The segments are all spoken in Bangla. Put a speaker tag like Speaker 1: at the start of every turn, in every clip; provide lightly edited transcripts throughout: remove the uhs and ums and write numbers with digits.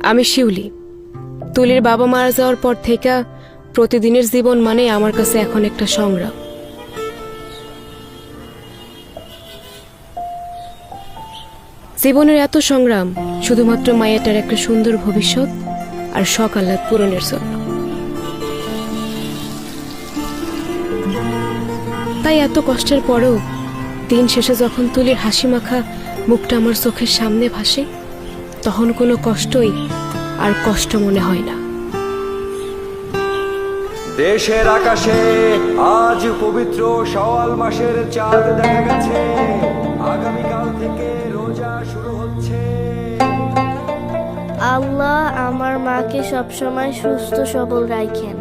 Speaker 1: আমি শিউলি। তুলির বাবা মারা যাওয়ার পর থেকে প্রতিদিনের জীবন মানে আমার কাছে এখন একটা সংগ্রাম। জীবনের এত সংগ্রাম শুধুমাত্র মায়েটার একটা সুন্দর ভবিষ্যৎ আর শখ আহ্লাদ পূরণের জন্য। তাই এত কষ্টের পরেও দিন শেষে যখন তুলির হাসি মাখা মুখটা আমার চোখের সামনে ভাসে, তখন কোনো কষ্টই আর কষ্ট মনে হয় না।
Speaker 2: দেশের আকাশে আজ পবিত্র শাওয়াল মাসের চাঁদ দেখা গেছে। আগামীকাল থেকে রোজা শুরু হচ্ছে।
Speaker 3: আল্লাহ আমার মাকে সবসময় সুস্থ সবল রাখেন।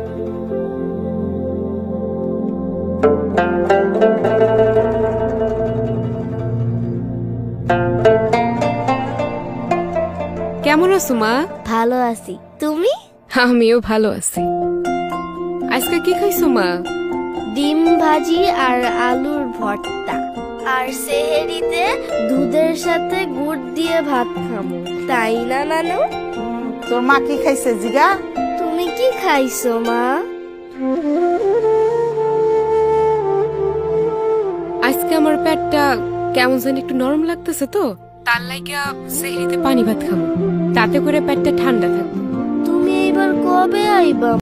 Speaker 1: কেমন আছো মা?
Speaker 3: ভালো আছি, তুমি?
Speaker 1: আমিও ভালো আছি। আজকে কি খাইছো মা?
Speaker 3: ডিম ভাজি আর আলুর ভর্তা, আর সেহেরিতে দুধের সাথে গুড় দিয়ে ভাত খাবো, তাই না নানু?
Speaker 4: তোর মা কি খাইছে জিগা?
Speaker 3: তুমি কি খাইছো মা?
Speaker 1: আজকে আমার পেটটা কেমন যেন একটু নরম লাগতেছে, তো তার লাইগা সেহরিতে পানি ভাত খাবো, তাতে করে পেটটা ঠান্ডা থাকবে।
Speaker 3: তুমি এইবার কবে আইবা?